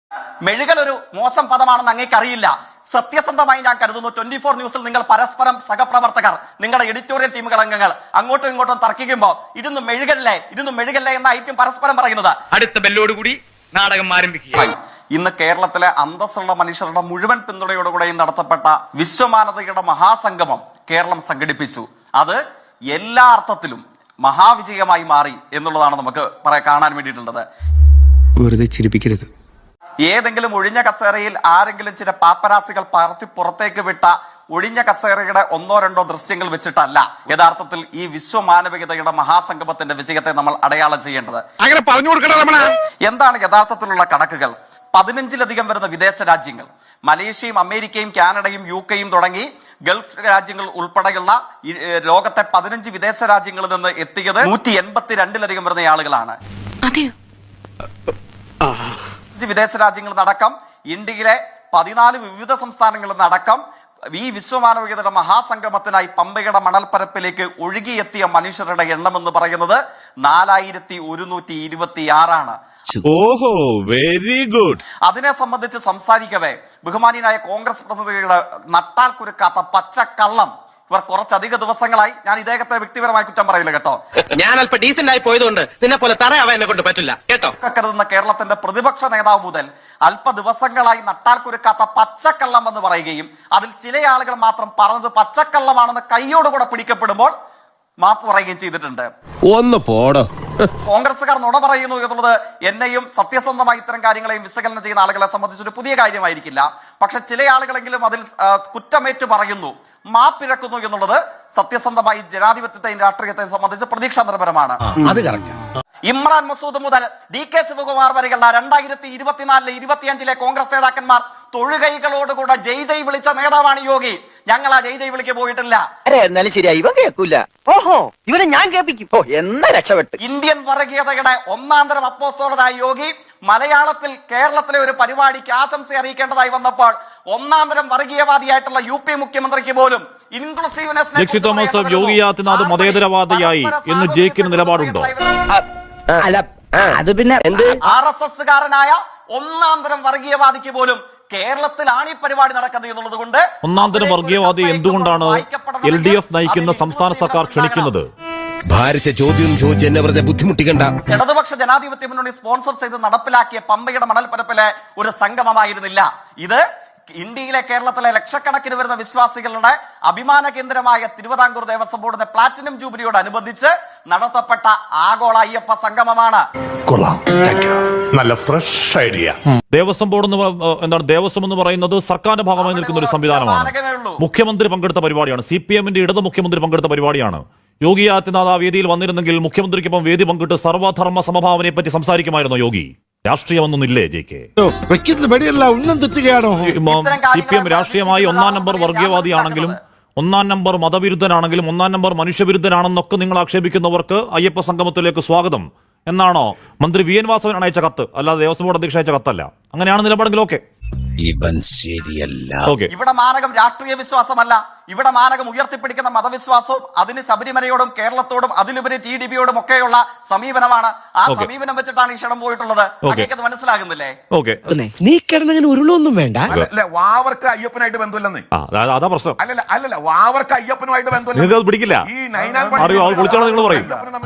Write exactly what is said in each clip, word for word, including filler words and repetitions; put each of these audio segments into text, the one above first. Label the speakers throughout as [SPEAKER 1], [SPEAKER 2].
[SPEAKER 1] മെഴുകൽ ഒരു മോശം പദമാണെന്ന് അങ്ങേക്കറിയില്ല. സത്യസന്ധമായി ഞാൻ കരുതുന്നു ട്വന്റി ഫോർ ന്യൂസിൽ നിങ്ങൾ പരസ്പരം സഹപ്രവർത്തകർ, നിങ്ങളുടെ എഡിറ്റോറിയൽ ടീമുകൾ അംഗങ്ങൾ അങ്ങോട്ടും ഇങ്ങോട്ടും തർക്കിക്കുമ്പോൾ ഇരുന്ന് മെഴുകല്ലേ ഇരുന്ന് മെഴുകല്ലേ എന്നായിരിക്കും പരസ്പരം പറയുന്നത്.
[SPEAKER 2] അടുത്ത ബെല്ലോടുകൂടി നാടകം ആരംഭിക്കുക.
[SPEAKER 1] ഇന്ന് കേരളത്തിലെ അന്തസ്സുള്ള മനുഷ്യരുടെ മുഴുവൻ പിന്തുണയോടുകൂടെയും നടത്തപ്പെട്ട വിശ്വമാനവതയുടെ മഹാസംഗമം കേരളം സംഘടിപ്പിച്ചു. അത് എല്ലാ അർത്ഥത്തിലും മഹാവിജയമായി മാറി എന്നുള്ളതാണ് നമുക്ക് പറയാൻ കാണാൻ വേണ്ടിയിട്ടുള്ളത്.
[SPEAKER 3] വെറുതെ ചിരിപ്പിക്കരുത്.
[SPEAKER 1] ഏതെങ്കിലും ഒഴിഞ്ഞ കസേരയിൽ ആരെങ്കിലും ചില പാപ്പരാസികൾ പറത്തി പുറത്തേക്ക് വിട്ട ഒഴിഞ്ഞ കസേരയുടെ ഒന്നോ രണ്ടോ ദൃശ്യങ്ങൾ വെച്ചിട്ടല്ല യഥാർത്ഥത്തിൽ ഈ വിശ്വമാനവികതയുടെ മഹാസംഗമത്തിന്റെ വിജയത്തെ നമ്മൾ അടയാളം ചെയ്യേണ്ടത്.
[SPEAKER 2] അങ്ങനെ പറഞ്ഞു കൊടുക്കണം.
[SPEAKER 1] എന്താണ് യഥാർത്ഥത്തിലുള്ള കണക്കുകൾ? പതിനഞ്ചിലധികം വരുന്ന വിദേശ രാജ്യങ്ങൾ, മലേഷ്യയും അമേരിക്കയും കാനഡയും യു കെയും തുടങ്ങി ഗൾഫ് രാജ്യങ്ങൾ ഉൾപ്പെടെയുള്ള ലോകത്തെ പതിനഞ്ച് വിദേശ രാജ്യങ്ങളിൽ നിന്ന് എത്തിയത് നൂറ്റി എൺപത്തി രണ്ടിലധികം വരുന്ന ആളുകളാണ്. വിദേശ രാജ്യങ്ങളിൽ നിന്നടക്കം ഇന്ത്യയിലെ പതിനാല് വിവിധ സംസ്ഥാനങ്ങളിൽ നിന്നടക്കം ഈ വിശ്വമാനവികതയുടെ മഹാസംഗമത്തിനായി പമ്പയുടെ മണൽപ്പരപ്പിലേക്ക് ഒഴുകിയെത്തിയ മനുഷ്യരുടെ എണ്ണം എന്ന് പറയുന്നത് നാലായിരത്തി ഒരുന്നൂറ്റി ഇരുപത്തി ആറാണ്.
[SPEAKER 4] ഓഹോ, വെരി ഗുഡ്.
[SPEAKER 1] അതിനെ സംബന്ധിച്ച് സംസാരിക്കവേ ബഹുമാനിയായ കോൺഗ്രസ് പ്രതിനിധികളുടെ നട്ടാൽ കുരുക്കാത്ത പച്ചക്കള്ളം ഇവർ കുറച്ചധിക ദിവസങ്ങളായി, ഞാൻ ഇദ്ദേഹത്തെ വ്യക്തിപരമായി കുറ്റം പറയില്ല കേട്ടോ,
[SPEAKER 5] ഞാൻ അല്പം ഡീസന്റ് ആയി പോയതുകൊണ്ട് നിന്നെ പോലെ തറയാവാൻ എന്നെ കൊണ്ട് പറ്റില്ല കേട്ടോ.
[SPEAKER 1] കരുതുന്ന കേരളത്തിന്റെ പ്രതിപക്ഷ നേതാവ് മുതൽ അല്പ ദിവസങ്ങളായി നട്ടാൽ കുരുക്കാത്ത പച്ചക്കള്ളം എന്ന് പറയുകയും അതിൽ ചില ആളുകൾ മാത്രം പറഞ്ഞത് പച്ചക്കള്ളമാണെന്ന് കൈയോടുകൂടെ പിടിക്കപ്പെടുമ്പോൾ മാപ്പ് പറയുകയും ചെയ്തിട്ടുണ്ട്.
[SPEAKER 6] ഒന്ന് പോടോ.
[SPEAKER 1] കോൺഗ്രസുകാർ നുണ പറയുന്നു എന്നുള്ളത് എന്നെയും സത്യസന്ധമായി ഇത്തരം കാര്യങ്ങളെയും വിശകലനം ചെയ്യുന്ന ആളുകളെ സംബന്ധിച്ചൊരു പുതിയ കാര്യമായിരിക്കില്ല. പക്ഷെ ചില ആളുകളെങ്കിലും അതിൽ കുറ്റമേറ്റു പറയുന്നു, മാപ്പിരക്കുന്നു എന്നുള്ളത് സത്യസന്ധമായി ജനാധിപത്യത്തെയും രാഷ്ട്രീയത്തെയും സംബന്ധിച്ച് പ്രതീക്ഷാ നിർഭരമാണ്. ഇമ്രാൻ മസൂദ് മുതൽ ഡി കെ ശിവകുമാർ വരെയുള്ള രണ്ടായിരത്തി ഇരുപത്തിനാലിലെ ഇരുപത്തിയഞ്ചിലെ കോൺഗ്രസ് നേതാക്കന്മാർ തൊഴുകൈകളോടുകൂടെ ജയ് ജയ് വിളിച്ച നേതാവാണ് യോഗി. ഞങ്ങൾ ആ ജയ് ജയ് വിളിക്ക് പോയിട്ടില്ല.
[SPEAKER 5] എന്നാലും ശരിയായി ഇവ കേൾക്കൂല. ഓഹോ, ഇവനെ ഞാൻ കേൾപ്പിക്കും. ഓ, എന്നാ രക്ഷപ്പെട്ടു.
[SPEAKER 1] ഇന്ത്യൻ വർഗീയതയുടെ ഒന്നാന്തരം അപ്പോസ്തലനായ യോഗി മലയാളത്തിൽ കേരളത്തിലെ ഒരു പരിപാടിക്ക് ആശംസ അറിയിക്കേണ്ടതായി വന്നപ്പോൾ ഒന്നാന്തരം വർഗീയവാദിയായിട്ടുള്ള യു പി മുഖ്യമന്ത്രിക്ക് പോലും
[SPEAKER 7] ജെക്സി തോമസ് യോഗി ആദിത്യനാഥ് മതേതരവാദിയായി എന്ന് ജയിക്കുന്ന നിലപാടുണ്ടോ?
[SPEAKER 5] അല്ല, അത് പിന്നെ
[SPEAKER 1] ആർ എസ് എസ് കാരനായ ഒന്നാന്തരം വർഗീയവാദിക്ക് പോലും കേരളത്തിലാണ് ഈ പരിപാടി നടക്കുന്നത് എന്നുള്ളത് കൊണ്ട്
[SPEAKER 7] ഒന്നാന്തരം വർഗീയവാദി എന്തുകൊണ്ടാണ് എൽ ഡി എഫ് നയിക്കുന്ന സംസ്ഥാന സർക്കാർ ക്ഷണിക്കുന്നത്?
[SPEAKER 6] ഭാരിച്ച ചോദ്യം ചോദിച്ച് എന്നെ വെറുതെ ബുദ്ധിമുട്ടിക്കണ്ട.
[SPEAKER 1] ഇടതുപക്ഷ ജനാധിപത്യ മുന്നണി സ്പോൺസർ ചെയ്ത് നടപ്പിലാക്കിയ പമ്പയുടെ മണൽപ്പരപ്പിലെ ഒരു സംഗമമായിരുന്നില്ല ഇത്. ഇന്ത്യയിലെ കേരളത്തിലെ ലക്ഷക്കണക്കിന് വരുന്ന വിശ്വാസികളുടെ അഭിമാന കേന്ദ്രമായ തിരുവിതാംകൂർ ദേവസ്വം ബോർഡിന്റെ പ്ലാറ്റിനം ജൂബിലിയോടനുബന്ധിച്ച് നടത്തപ്പെട്ട ആഗോള അയ്യപ്പ സംഗമമാണ്.
[SPEAKER 4] നല്ല ഫ്രഷ് ഐഡിയ.
[SPEAKER 7] ദേവസ്വം ബോർഡ് എന്താണ് ദേവസ്വം എന്ന് പറയുന്നത് സർക്കാരിന്റെ ഭാഗമായി നിൽക്കുന്ന ഒരു സംവിധാനമാണ്. മുഖ്യമന്ത്രി പങ്കെടുത്ത പരിപാടിയാണ്. സി പി എമ്മിന്റെ ഇടത് മുഖ്യമന്ത്രി പങ്കെടുത്ത പരിപാടിയാണ്. യോഗി ആദിത്യനാഥ് ആ വേദിയിൽ വന്നിരുന്നെങ്കിൽ മുഖ്യമന്ത്രിക്കൊപ്പം വേദി പങ്കിട്ട് സർവധർമ്മ സമഭാവനയെ പറ്റി സംസാരിക്കുമായിരുന്നു യോഗി. രാഷ്ട്രീയമൊന്നുമില്ലേ J K? C P M രാഷ്ട്രീയമായി ഒന്നാം നമ്പർ വർഗീയവാദിയാണെങ്കിലും ഒന്നാം നമ്പർ മതവിരുദ്ധനാണെങ്കിലും ഒന്നാം നമ്പർ മനുഷ്യവിരുദ്ധനാണെന്നൊക്കെ നിങ്ങൾ ആക്ഷേപിക്കുന്നവർക്ക് അയ്യപ്പ സംഗമത്തിലേക്ക് സ്വാഗതം എന്നാണോ മന്ത്രി വി എൻ വാസവൻ അയച്ച കത്ത്? അല്ലാതെ ദേവസ്വം ബോർഡ് അധ്യക്ഷ അയച്ച കത്തല്ല. അങ്ങനെയാണ് നിലപാടെങ്കിൽ ഓക്കെ.
[SPEAKER 6] ഇവൻ ശരിയല്ല.
[SPEAKER 1] ഇവിടെ മാനകം രാഷ്ട്രീയ വിശ്വാസമല്ല, ഇവിടെ മാനകം ഉയർത്തിപ്പിടിക്കുന്ന മതവിശ്വാസവും അതിന് ശബരിമലയോടും കേരളത്തോടും അതിലുപരി ടി ഡി ബിയോടും ഒക്കെയുള്ള സമീപനമാണ്. ആ സമീപനം വെച്ചിട്ടാണ് ഈ ക്ഷണം പോയിട്ടുള്ളത്. അത് മനസ്സിലാകുന്നില്ലേ?
[SPEAKER 3] നീ കിടന്നങ്ങനെ ഉരുളൊന്നും വേണ്ട.
[SPEAKER 4] വാവർക്ക് അയ്യപ്പനായിട്ട് ബന്ധമില്ലെന്ന്.
[SPEAKER 7] അതാ പ്രശ്നം.
[SPEAKER 4] അല്ലല്ല അല്ലല്ല വാവർക്ക് അയ്യപ്പനുമായിട്ട് ബന്ധമില്ല.
[SPEAKER 7] പിടിക്കില്ല.
[SPEAKER 4] അറിയോ
[SPEAKER 7] കുളിച്ചാണോ നിങ്ങൾ പറയും?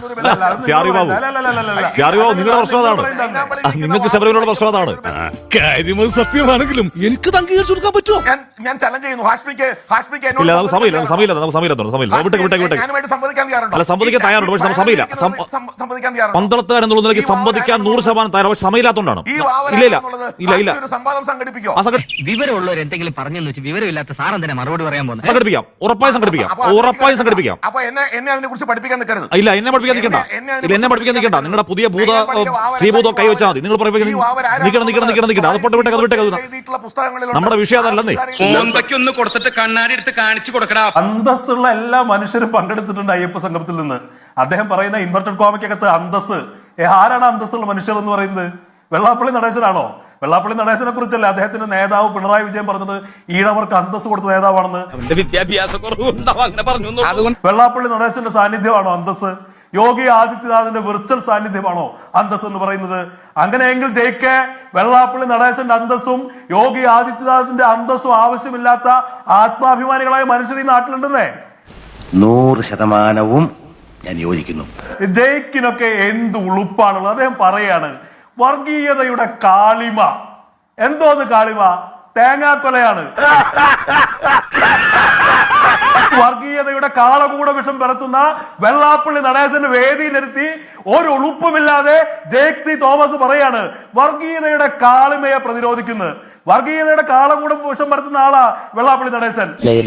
[SPEAKER 7] നിങ്ങളുടെ പ്രശ്നം അതാണ്. നിങ്ങൾക്ക് ശബരിമലയുടെ പ്രശ്നം അതാണ്.
[SPEAKER 4] കാര്യം സത്യമാണെങ്കിലും എനിക്ക് അംഗീകരിച്ചു കൊടുക്കാൻ പറ്റുമോ? ഞാൻ ചലഞ്ച് ചെയ്യുന്നു. ഹാഷ്മിക്ക് ഹാഷ്മിക്ക്
[SPEAKER 7] സമയമില്ല സമയമില്ല നമുക്ക് സമയമില്ല സമയമില്ല വിട്ടേക്ക് വിട്ടേക്ക് വിട്ടേക്ക് അല്ല സംവദിക്കാൻ തയ്യാറുണ്ട്. പക്ഷെ സമയമില്ല. പന്തളത്തുകാർ എന്നുള്ള നിലയ്ക്ക് സംവദിക്കാൻ നൂറ് ശതമാനം തയ്യാറ്. പക്ഷെ സമയമില്ലാത്തതുകൊണ്ടാണ്. ഇല്ല ഇല്ല ഇല്ല ഇല്ല
[SPEAKER 5] വിവരമുള്ളവർ എന്തെങ്കിലും പറഞ്ഞെന്ന് വെച്ച് വിവരമില്ലാത്ത സാർ എന്തിനാ മറുപടി പറയാൻ പോകുന്നത്?
[SPEAKER 7] സംഘടിപ്പിക്കാം, ഉറപ്പായും സംഘടിപ്പിക്കാം, ഉറപ്പായും സംഘടിപ്പിക്കാം.
[SPEAKER 4] എന്നെ അതിനെ കുറിച്ച് പഠിപ്പിക്കാൻ നിൽക്കരുത്.
[SPEAKER 7] ഇല്ല എന്നെ പഠിപ്പിക്കാൻ നിൽക്കണ്ട. ഇല്ല എന്നെ പഠിപ്പിക്കാൻ നിൽക്കണ്ട. നിങ്ങളുടെ പുതിയ ഭൂത ശ്രീഭൂതം കൈവച്ചാൽ മതി. നിങ്ങൾ നിൽക്കണം നിൽക്കണം നിൽക്കണം നിൽക്കണം അത് പൊട്ട് വിട്ടേക്ക് അത് വിട്ടേക്ക്. നമ്മുടെ വിഷയം അതല്ലെന്നേ.
[SPEAKER 2] ഒന്ന് കൊടുത്തിട്ട് കണ്ണാടി എടുത്ത് കാണിച്ചു കൊടുക്കടാ.
[SPEAKER 8] അന്തസ്സുള്ള എല്ലാ മനുഷ്യരും പങ്കെടുത്തിട്ടുണ്ട് അയ്യപ്പ സംഗമത്തിൽ നിന്ന്. അദ്ദേഹം പറയുന്ന ഇൻവെർട്ടഡ് കോമയ്ക്കകത്ത് അന്തസ്, ആരാണ് അന്തസ്സുള്ള മനുഷ്യർ എന്ന് പറയുന്നത്? വെള്ളാപ്പള്ളി നടേശനാണോ? വെള്ളാപ്പള്ളി നടേശനെ കുറിച്ചല്ല അദ്ദേഹത്തിന്റെ നേതാവ് പിണറായി വിജയൻ പറഞ്ഞത് ഈഴവർക്ക് അന്തസ് കൊടുത്ത നേതാവാണെന്ന്.
[SPEAKER 6] വിദ്യാഭ്യാസ
[SPEAKER 8] വെള്ളാപ്പള്ളി നടേശന്റെ സാന്നിധ്യമാണോ അന്തസ്? യോഗി ആദിത്യനാഥിന്റെ വിർച്വൽ സാന്നിധ്യമാണോ അന്തസ് എന്ന് പറയുന്നത്? അങ്ങനെയെങ്കിൽ ജയിക്ക് വെള്ളാപ്പള്ളി നടേശന്റെ അന്തസ്സും യോഗി ആദിത്യനാഥിന്റെ അന്തസ്സും ആവശ്യമില്ലാത്ത ആത്മാഭിമാനികളായ മനുഷ്യർ ഈ നാട്ടിലുണ്ടെന്നേ.
[SPEAKER 5] നൂറ് ശതമാനവും ഞാൻ യോജിക്കുന്നു.
[SPEAKER 8] ജയിക്കിനൊക്കെ എന്ത് ഉളുപ്പാണുള്ളത്. അദ്ദേഹം പറയാണ് വർഗീയതയുടെ കാളിമ. എന്തോന്ന് കാളിമ? തേങ്ങാക്കൊലയാണ്. വർഗീയതയുടെ കാളകൂട വിഷം പരത്തുന്ന വെള്ളാപ്പള്ളി നടേശന്റെ വേദി നിർത്തി ഒരു ഉളുപ്പുമില്ലാതെ ജേക്ക് സി തോമസ് പറയാണ് വർഗീയതയുടെ കാളിമയെ പ്രതിരോധിക്കുന്നത്. വർഗീയതയുടെ കാളകൂടം വിഷം പരത്തുന്ന ആളാ വെള്ളാപ്പള്ളി നടേശൻ.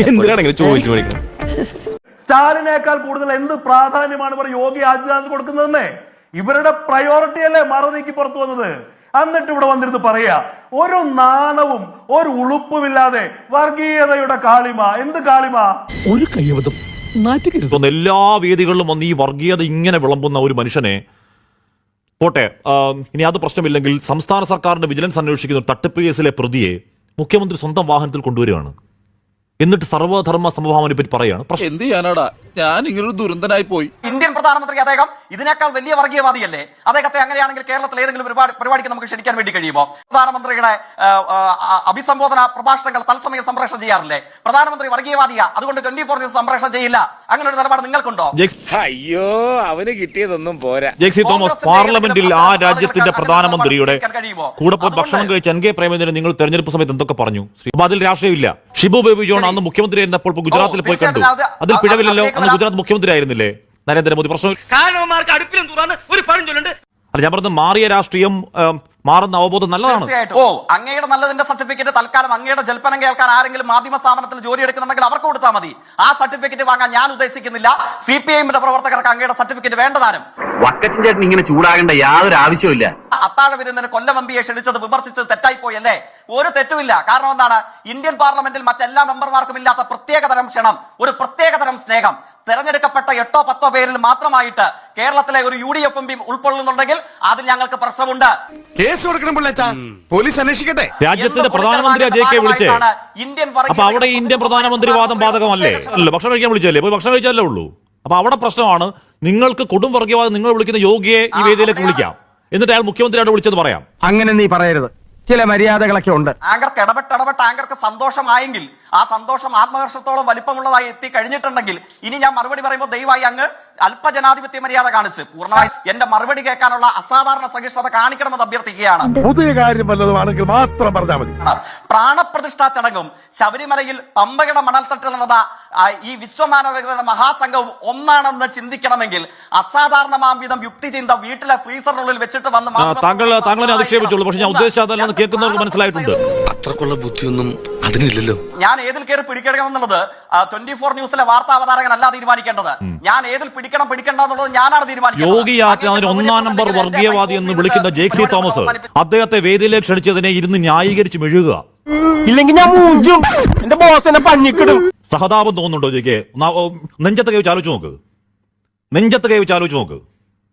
[SPEAKER 8] സ്റ്റാലിനേക്കാൾ കൂടുതൽ എന്ത് പ്രാധാന്യമാണ് ഇവർ യോഗി ആദിത്യനാഥ് കൊടുക്കുന്നതെന്നേ. ഇവരുടെ പ്രയോറിറ്റി അല്ലേ മറ നീക്കി പുറത്തു വന്നത്. എന്നിട്ട് ഇവിടെ വന്നിരുന്ന് പറയാ ഒരു നാണവും ഒരു ഉളുപ്പുമില്ലാതെ വർഗീയതയുടെ കാളിമ. എന്ത് കാളിമ?
[SPEAKER 3] ഒരു കയ്യബദ്ധം നാറ്റുകരുത്.
[SPEAKER 7] എല്ലാ വേദികളിലും വന്ന് ഈ വർഗീയത ഇങ്ങനെ വിളമ്പുന്ന ഒരു മനുഷ്യനെ പോട്ടെ, ഇനി അത് പ്രശ്നമില്ലെങ്കിൽ സംസ്ഥാന സർക്കാരിന്റെ വിജിലൻസ് അന്വേഷിക്കുന്ന തട്ടിപ്പ് കേസിലെ പ്രതിയെ മുഖ്യമന്ത്രി സ്വന്തം വാഹനത്തിൽ കൊണ്ടുവരികയാണ്. എന്നിട്ട് സർവധർമ്മ സമഭാവനെ പറ്റി പറയാണ്.
[SPEAKER 6] എന്ത് ചെയ്യാനാടാ, ഞാൻ ഇങ്ങനൊരു ദുരന്തനായി പോയി.
[SPEAKER 1] ഇന്ത്യൻ പ്രധാനമന്ത്രി അദ്ദേഹം ഇതിനേക്കാൾ വലിയ വർഗീയവാദിയല്ലേ? അദ്ദേഹത്തെ അങ്ങനെയാണെങ്കിൽ കേരളത്തിൽ ഏതെങ്കിലും പരിപാടി പരിപാടിക്ക് നമുക്ക് ക്ഷണിക്കാൻ വേണ്ടി കഴിയുമോ? പ്രധാനമന്ത്രിയുടെ അഭിസംബോധന പ്രഭാഷണങ്ങൾ തത്സമയം സംപ്രേഷണം ചെയ്യാറില്ലേ? പ്രധാനമന്ത്രി വർഗീയവാദിയാ, അതുകൊണ്ട് ട്വന്റി ഫോർ ന്യൂസ് സംപ്രേഷണം ചെയ്യില്ല. അങ്ങനെ ഒരു നിലപാട് നിങ്ങൾക്കുണ്ടോ?
[SPEAKER 6] അയ്യോ, അവന് കിട്ടിയതൊന്നും പോരാ.
[SPEAKER 7] ജെക്സി തോമസ് പാർലമെന്റിൽ ആ രാജ്യത്തിന്റെ പ്രധാനമന്ത്രിയുടെ കൂടെ പോയി ഭക്ഷണം കഴിച്ച് എൻ കെ പ്രേമചന്ദ്രൻ നിങ്ങൾ തെരഞ്ഞെടുപ്പ് സമയത്ത് എന്തൊക്കെ പറഞ്ഞു? അപ്പൊ അതിൽ രാഷ്ട്രീയമില്ല. ഷിബു ബേബി ജോൺ അന്ന് മുഖ്യമന്ത്രി ആയിരുന്നപ്പോൾ ഗുജറാത്തിൽ പോയി കണ്ടു. അതിൽ പിഴവില്ലല്ലോ. അന്ന് ഗുജറാത്ത് മുഖ്യമന്ത്രി ആയിരുന്നില്ലേ നരേന്ദ്രമോദി? പ്രശ്നം
[SPEAKER 2] ഒരു പഴം ചൊല്ലുണ്ട്.
[SPEAKER 7] അല്ല, ഞാൻ പറഞ്ഞത് മാറിയ രാഷ്ട്രീയം, മാറുന്ന അവബോധം നല്ലതാണ്.
[SPEAKER 1] ഓ, അങ്ങയുടെ നല്ലതിന്റെ സർട്ടിഫിക്കറ്റ് തൽക്കാലം അങ്ങയുടെ ജൽപ്പനം കേൾക്കാൻ ആരെങ്കിലും മാധ്യമ സ്ഥാപനത്തിൽ ജോലി എടുക്കുന്നുണ്ടെങ്കിൽ അവർക്ക് കൊടുത്താൽ മതി. ആ സർട്ടിഫിക്കറ്റ് വാങ്ങാൻ ഞാൻ ഉദ്ദേശിക്കുന്നില്ല. സി പി ഐഎമ്മിന്റെ പ്രവർത്തകർക്ക് അങ്ങയുടെ സർട്ടിഫിക്കറ്റ് വേണ്ടതാനും.
[SPEAKER 5] വക്കച്ചൻ ചേട്ടൻ ഇങ്ങനെ ചൂടാകേണ്ട യാതൊരു ആവശ്യമില്ല.
[SPEAKER 1] അത്താഴ വിരുന്നിന് കൊല്ലം എം പിയെ ക്ഷണിച്ചത് വിമർശിച്ചത് തെറ്റായി പോയല്ലേ? ഒരു തെറ്റുമില്ല. കാരണം എന്താണ്? ഇന്ത്യൻ പാർലമെന്റിൽ മറ്റെല്ലാ മെമ്പർമാർക്കും ഇല്ലാത്ത പ്രത്യേകതരം ക്ഷണം, ഒരു പ്രത്യേകതരം സ്നേഹം തെരഞ്ഞെടുക്കപ്പെട്ട എട്ടോ പത്തോ പേരിൽ മാത്രമായിട്ട് കേരളത്തിലെ ഒരു U D F M P ഉൾക്കൊള്ളുന്നുണ്ടെങ്കിൽ അതിൽ ഞങ്ങൾക്ക് പ്രശ്നമുണ്ട്.
[SPEAKER 2] കേസ് കൊടുക്കണം പിള്ളേച്ചാ, പോലീസ് അന്വേഷിക്കട്ടെ.
[SPEAKER 7] രാജ്യത്തിന്റെ പ്രധാനമന്ത്രി ജെ കെ വിളിച്ചേ. അപ്പൊ അവിടെ ഇന്ത്യൻ പ്രധാനമന്ത്രി വാദം ബാധകമല്ലേ? അല്ല, ഭക്ഷണം കഴിക്കാൻ വിളിച്ചല്ലേ? പോയി ഭക്ഷണം കഴിച്ചാലേ ഉള്ളൂ. അപ്പൊ അവിടെ പ്രശ്നമാണ്. നിങ്ങൾക്ക് കൊടും വർഗീയവാദം നിങ്ങൾ വിളിക്കുന്ന യോഗിയെ ഈ വേദിയിലേക്ക് വിളിക്കാം, എന്നിട്ട് അയാൾ മുഖ്യമന്ത്രിയോട് വിളിച്ചത് പറയാം.
[SPEAKER 5] അങ്ങനെ നീ പറയരുത്, ചില മര്യാദകളൊക്കെ ഉണ്ട്.
[SPEAKER 1] ആങ്കർക്ക് ഇടപെട്ട് ഇടപെട്ട് ആങ്കർക്ക് സന്തോഷമായെങ്കിൽ ആ സന്തോഷം ആത്മഹർഷത്തോളം വലിപ്പമുള്ളതായി എത്തി കഴിഞ്ഞിട്ടുണ്ടെങ്കിൽ ഇനി ഞാൻ മറുപടി പറയുമ്പോൾ ദയവായി അങ്ങ് അല്പജനാധിപത്യ മര്യാദ കാണിച്ച് പൂർണ്ണമായി എന്റെ മറുപടി കേൾക്കാനുള്ള അസാധാരണ സഹിഷ്ണുത കാണിക്കണമെന്ന് അഭ്യർത്ഥിക്കുകയാണ്.
[SPEAKER 4] പുതിയ കാര്യം വല്ലതുമാണെങ്കിൽ മാത്രം പറഞ്ഞാൽ മതി.
[SPEAKER 1] പ്രാണപ്രതിഷ്ഠാ ചടങ്ങും ശബരിമലയിൽ പമ്പയുടെ മണൽത്തട്ട് നടന്ന ഈ വിശ്വമാനവികതയുടെ മഹാസംഘവും ഒന്നാണെന്ന് ചിന്തിക്കണമെങ്കിൽ അസാധാരണമാം വിധം യുക്തി ചിന്ത വീട്ടിലെ ഫ്രീസറിനുള്ളിൽ വെച്ചിട്ട് വന്ന്
[SPEAKER 7] താങ്കൾ താങ്കളെ അധിക്ഷേപിച്ചുള്ളൂ. പക്ഷെ ഞാൻ ഉദ്ദേശിച്ചതല്ലെന്ന് കേൾക്കുന്നവർക്ക് മനസ്സിലായിട്ടുണ്ട്.
[SPEAKER 6] അത്രക്കുള്ള ബുദ്ധിയൊന്നും അതിനില്ലല്ലോ.
[SPEAKER 1] ഞാൻ ഏതിൽ കയറി പിടിക്കണം എന്നുള്ളത് ട്വന്റി ഫോർ ന്യൂസിലെ വാർത്താ അവതാരകനല്ല തീരുമാനിക്കേണ്ടത്. ഞാൻ ഏതിൽ പിടിക്കണം പിടിക്കണ്ട എന്നുള്ളത് ഞാനാണ് തീരുമാനിക്കുന്നത്.
[SPEAKER 7] യോഗി ആദിത്യനാഥിനെ ഒന്നാം നമ്പർ വർഗീയവാദി എന്ന് വിളിക്കുന്ന ജേക്ക് സി തോമസ് അദ്ദേഹത്തെ വേദിയിലേക്ക് ക്ഷണിച്ചതിനെ ഇരുന്ന് ന്യായീകരിച്ച് മെഴുകുക.
[SPEAKER 3] ഇല്ലെങ്കിൽ ഞാൻ മൂഞ്ചും, എന്റെ ബോസ് എന്നെ പഞ്ഞിക്കിടും.
[SPEAKER 7] സഹതാപം തോന്നുന്നുണ്ടോ ജെക്ക്? നെഞ്ചത്ത് കൈ വെച്ച് ആലോചിച്ച് നോക്ക്. നെഞ്ചത്ത് കൈ വെച്ച് ആലോചിച്ച് നോക്ക്.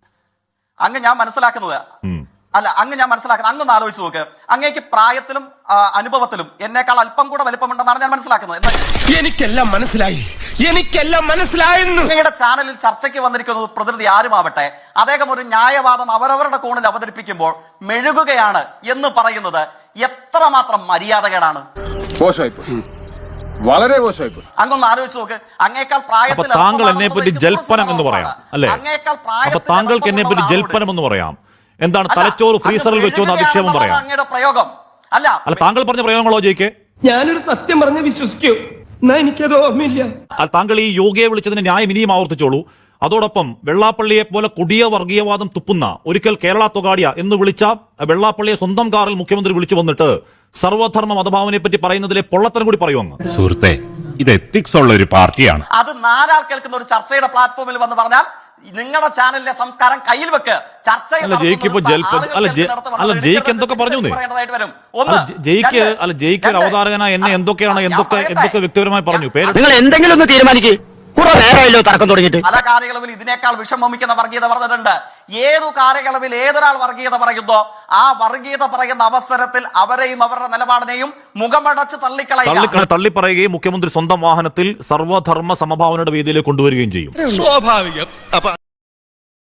[SPEAKER 1] അങ്ങ് ഞാൻ മനസ്സിലാക്കുന്നത് അല്ല അങ്ങ് ഞാൻ മനസ്സിലാക്കുന്നത് അങ്ങൊന്ന് ആലോചിച്ച് നോക്ക്. അങ്ങേക്ക് പ്രായത്തിലും അനുഭവത്തിലും എന്നേക്കാൾ അല്പം കൂടെ വലിപ്പമുണ്ടെന്നാണ് ഞാൻ മനസ്സിലാക്കുന്നത്.
[SPEAKER 6] എനിക്കെല്ലാം മനസ്സിലായി, എനിക്കെല്ലാം മനസ്സിലായെന്ന്.
[SPEAKER 1] അങ്ങയുടെ ചാനലിൽ ചർച്ചയ്ക്ക് വന്നിരിക്കുന്നത് പ്രതിനിധി ആരുമാവട്ടെ, അദ്ദേഹം ഒരു ന്യായവാദം അവരവരുടെ കോണിൽ അവതരിപ്പിക്കുമ്പോൾ മെഴുകുകയാണ് എന്ന് പറയുന്നത് എത്രമാത്രം മര്യാദകേടാണ്.
[SPEAKER 6] വളരെ മോശമായി.
[SPEAKER 1] അങ്ങൊന്ന് ആലോചിച്ച് നോക്ക്. അങ്ങേക്കാൾ പ്രായത്തിൽ
[SPEAKER 7] താങ്കൾ എന്നെ പറ്റി ജൽപ്പനം എന്ന് പറയാം അല്ലെ? അപ്പൊ താങ്കൾക്ക് എന്നെ പറ്റി ജൽപ്പനം എന്ന് പറയാം. എന്താണ് തലച്ചോറ് ഫ്രീസറിൽ വെച്ചോ എന്ന് അധിക്ഷേപം പറയാം.
[SPEAKER 1] അങ്ങയുടെ പ്രയോഗം അല്ല
[SPEAKER 7] അല്ല താങ്കൾ പറഞ്ഞ പ്രയോഗങ്ങളോ ജയിക്ക്?
[SPEAKER 5] ഞാനൊരു സത്യം പറഞ്ഞ് വിശ്വസിക്കൂ, എന്നാ എനിക്കത് ഓർമ്മയില്ല.
[SPEAKER 7] താങ്കൾ ഈ യോഗിയെ വിളിച്ചതിന് ന്യായം ഇനിയും ആവർത്തിച്ചോളൂ. അതോടൊപ്പം വെള്ളാപ്പള്ളിയെ പോലെ കൊടിയ വർഗീയവാദം തുപ്പുന്ന ഒരിക്കൽ കേരള തൊഗാഡിയ എന്ന് വിളിച്ച വെള്ളാപ്പള്ളിയെ സ്വന്തം കാറിൽ മുഖ്യമന്ത്രി വിളിച്ചു വന്നിട്ട് സർവധർമ്മ മതഭാവനെ പറ്റി പറയുന്നതിലെ പൊള്ളത്തരം കൂടി പറയുമെന്ന്.
[SPEAKER 9] സുഹൃത്തെ, ഇത് എത്തിക്സ് ഉള്ള ഒരു പാർട്ടിയാണ്.
[SPEAKER 1] അത് നാലാൾ കേൾക്കുന്ന ഒരു ചർച്ചയുടെ പ്ലാറ്റ്ഫോമിൽ വന്ന് പറഞ്ഞാൽ നിങ്ങളുടെ ചാനലിലെ സംസ്കാരം കയ്യിൽ വെക്ക്. ചർച്ച
[SPEAKER 7] അല്ല ജയിക്ക് ഇപ്പൊ ജൽപ്പ അല്ല അല്ല ജയിക്ക് എന്തൊക്കെ പറഞ്ഞു ജയിക്ക് അല്ല ജയിക്ക് ഒരു അവതാരകനായ എന്നെ എന്തൊക്കെയാണ് എന്തൊക്കെ എന്തൊക്കെ വ്യക്തിപരമായി പറഞ്ഞു. പേര്
[SPEAKER 5] നിങ്ങൾ എന്തെങ്കിലും ഒന്ന് തീരുമാനിക്കേ. കുറെ നേരമല്ലോ തർക്കം തുടങ്ങിയിട്ട്.
[SPEAKER 1] പല കാലയളവിൽ ഇതിനേക്കാൾ വിഷമമിക്കുന്ന വർഗീയത പറഞ്ഞിട്ടുണ്ട്. ഏതു കാലയളവിൽ ഏതൊരാൾ വർഗീയത പറയുന്നോ ആ വർഗീയത പറയുന്ന അവസരത്തിൽ അവരെയും അവരുടെ നിലപാടിനെയും മുഖമടച്ച് തള്ളിക്കളയുക
[SPEAKER 7] തള്ളിപ്പറയുകയും മുഖ്യമന്ത്രി സ്വന്തം വാഹനത്തിൽ സർവധർമ്മ സമഭാവനയുടെ വേദിയിലേക്ക് കൊണ്ടുവരികയും ചെയ്യും.
[SPEAKER 2] സ്വാഭാവികം.